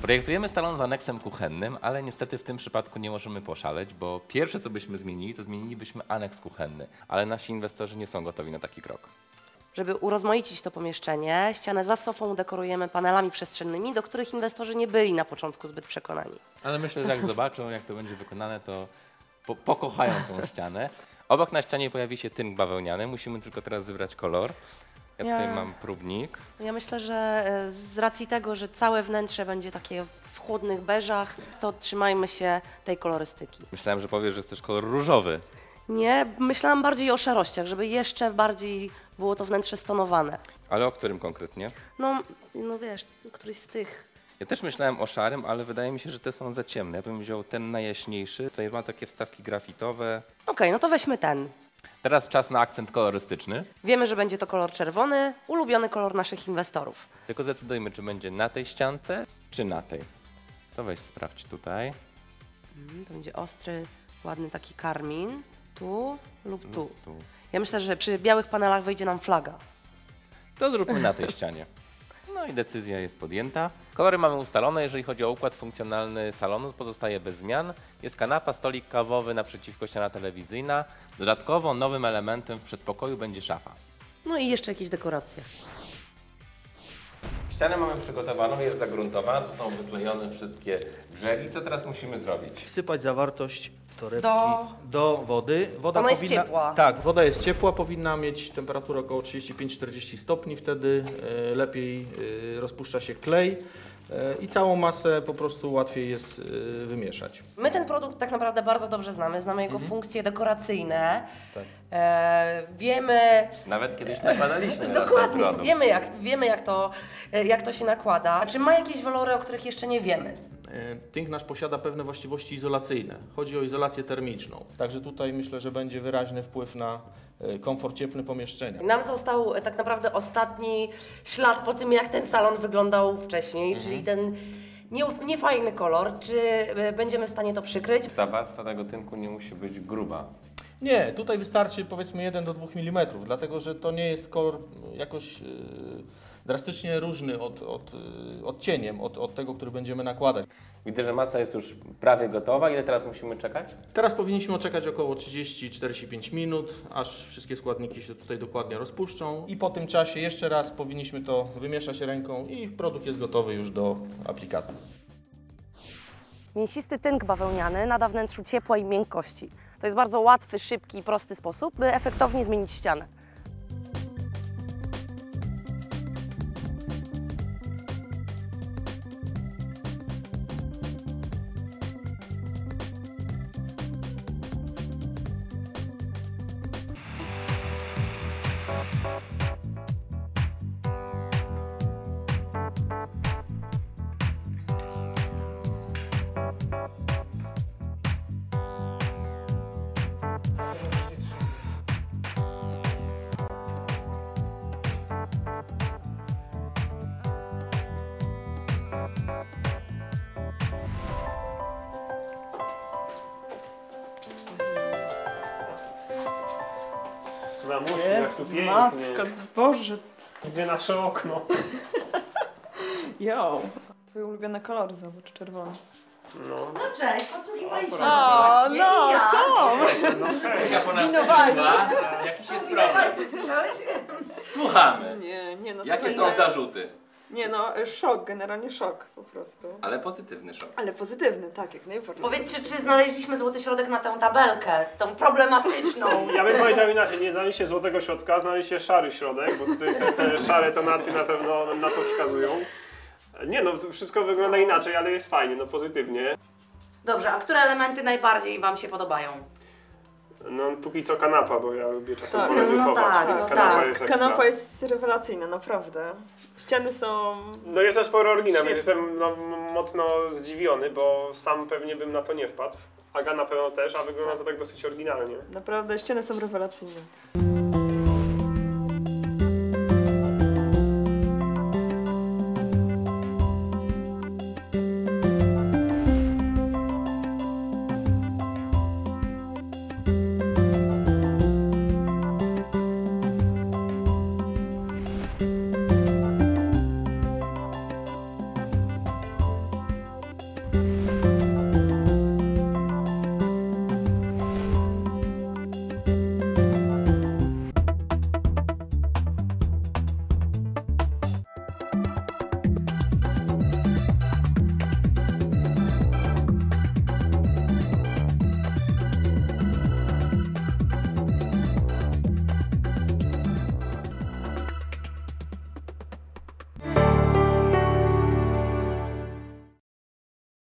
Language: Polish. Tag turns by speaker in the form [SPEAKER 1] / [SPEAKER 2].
[SPEAKER 1] Projektujemy salon z aneksem kuchennym, ale niestety w tym przypadku nie możemy poszaleć, bo pierwsze co byśmy zmienili, to zmienilibyśmy aneks kuchenny, ale nasi inwestorzy nie są gotowi na taki krok.
[SPEAKER 2] Żeby urozmaicić to pomieszczenie, ścianę za sofą dekorujemy panelami przestrzennymi, do których inwestorzy nie byli na początku zbyt przekonani.
[SPEAKER 1] Ale myślę, że jak zobaczą, jak to będzie wykonane, to pokochają tą ścianę. Obok na ścianie pojawi się tynk bawełniany, musimy tylko teraz wybrać kolor. Ja tutaj mam próbnik.
[SPEAKER 2] Ja myślę, że z racji tego, że całe wnętrze będzie takie w chłodnych beżach, to trzymajmy się tej kolorystyki.
[SPEAKER 1] Myślałem, że powiesz, że chcesz kolor różowy.
[SPEAKER 2] Nie, myślałam bardziej o szarościach, żeby jeszcze bardziej było to wnętrze stonowane.
[SPEAKER 1] Ale o którym konkretnie?
[SPEAKER 2] No wiesz, któryś z tych.
[SPEAKER 1] Ja też myślałem o szarym, ale wydaje mi się, że te są za ciemne. Ja bym wziął ten najjaśniejszy. Tutaj ma takie wstawki grafitowe.
[SPEAKER 2] Okej, no to weźmy ten.
[SPEAKER 1] Teraz czas na akcent kolorystyczny.
[SPEAKER 2] Wiemy, że będzie to kolor czerwony, ulubiony kolor naszych inwestorów.
[SPEAKER 1] Tylko zdecydujmy, czy będzie na tej ściance, czy na tej. To weź sprawdź tutaj.
[SPEAKER 2] To będzie ostry, ładny taki karmin. Tu lub tu.
[SPEAKER 1] Tu.
[SPEAKER 2] Ja myślę, że przy białych panelach wyjdzie nam flaga.
[SPEAKER 1] To zróbmy na tej ścianie. No i decyzja jest podjęta. Kolory mamy ustalone, jeżeli chodzi o układ funkcjonalny salonu, pozostaje bez zmian. Jest kanapa, stolik kawowy, naprzeciwko ściana telewizyjna. Dodatkowo nowym elementem w przedpokoju będzie szafa.
[SPEAKER 2] No i jeszcze jakieś dekoracje.
[SPEAKER 1] Ścianę mamy przygotowaną, jest zagruntowana, tu są wyklejone wszystkie brzegi. Co teraz musimy zrobić?
[SPEAKER 3] Wsypać zawartość torebki
[SPEAKER 2] Do
[SPEAKER 3] do wody. Woda
[SPEAKER 2] Ona jest ciepła.
[SPEAKER 3] Tak, woda jest ciepła, powinna mieć temperaturę około 35-40 stopni, wtedy lepiej rozpuszcza się klej i całą masę po prostu łatwiej jest wymieszać.
[SPEAKER 2] My ten produkt tak naprawdę bardzo dobrze znamy jego funkcje dekoracyjne.
[SPEAKER 3] Tak.
[SPEAKER 2] Wiemy,
[SPEAKER 1] Nawet kiedyś nakładaliśmy na ten
[SPEAKER 2] dokładnie,
[SPEAKER 1] produkt.
[SPEAKER 2] wiemy jak to się nakłada. Czy ma jakieś walory, o których jeszcze nie wiemy?
[SPEAKER 3] Tynk nasz posiada pewne właściwości izolacyjne. Chodzi o izolację termiczną. Także tutaj myślę, że będzie wyraźny wpływ na komfort cieplny pomieszczenia.
[SPEAKER 2] Nam został tak naprawdę ostatni ślad po tym, jak ten salon wyglądał wcześniej, czyli ten niefajny kolor. Czy będziemy w stanie to przykryć?
[SPEAKER 1] Ta warstwa tego tynku nie musi być gruba.
[SPEAKER 3] Nie, tutaj wystarczy powiedzmy 1 do 2 mm, dlatego że to nie jest kolor jakoś drastycznie różny odcieniem od tego, który będziemy nakładać.
[SPEAKER 1] Widzę, że masa jest już prawie gotowa. Ile teraz musimy czekać?
[SPEAKER 3] Teraz powinniśmy czekać około 30-45 minut, aż wszystkie składniki się tutaj dokładnie rozpuszczą i po tym czasie jeszcze raz powinniśmy to wymieszać ręką i produkt jest gotowy już do aplikacji.
[SPEAKER 2] Mięsisty tynk bawełniany nada wnętrzu ciepła i miękkości. To jest bardzo łatwy, szybki i prosty sposób, by efektownie zmienić ścianę.
[SPEAKER 4] Mamusiu, jak tu pięknie.
[SPEAKER 5] Matko, Boże.
[SPEAKER 4] Gdzie nasze okno?
[SPEAKER 5] Jo. Twoje ulubione kolory, zobacz, czerwony.
[SPEAKER 4] No.
[SPEAKER 2] No cześć, podsłuchiwaliśmy.
[SPEAKER 5] O, no, co?
[SPEAKER 4] No hej.
[SPEAKER 1] Ja po nas
[SPEAKER 5] Winowajcy.
[SPEAKER 1] przyszła. Jakiś jest problem. Słuchamy.
[SPEAKER 5] Nie, no
[SPEAKER 1] Jakie
[SPEAKER 5] słuchajcie.
[SPEAKER 1] są zarzuty?
[SPEAKER 5] Nie no, szok, generalnie szok po prostu.
[SPEAKER 1] Ale pozytywny szok.
[SPEAKER 5] Ale pozytywny, tak, jak najbardziej.
[SPEAKER 2] Powiedzcie, czy znaleźliśmy złoty środek na tę tabelkę, tą problematyczną?
[SPEAKER 4] Ja bym powiedział inaczej, nie znaleźliście złotego środka, znaleźliście szary środek, bo tutaj te szare tonacje na pewno na to wskazują. Nie no, wszystko wygląda inaczej, ale jest fajnie, no pozytywnie.
[SPEAKER 2] Dobrze, a które elementy najbardziej Wam się podobają?
[SPEAKER 4] No póki co kanapa, bo ja lubię czasem
[SPEAKER 5] Tak,
[SPEAKER 4] polewychować,
[SPEAKER 2] no tak,
[SPEAKER 4] więc
[SPEAKER 2] no
[SPEAKER 4] kanapa
[SPEAKER 2] tak.
[SPEAKER 4] jest ekstra.
[SPEAKER 5] Kanapa jest rewelacyjna, naprawdę. Ściany są...
[SPEAKER 4] No jest to sporo oryginał, więc
[SPEAKER 5] Świetnie.
[SPEAKER 4] jestem no, mocno zdziwiony, bo sam pewnie bym na to nie wpadł. Aga na pewno też, a wygląda to tak dosyć oryginalnie.
[SPEAKER 5] Naprawdę, ściany są rewelacyjne.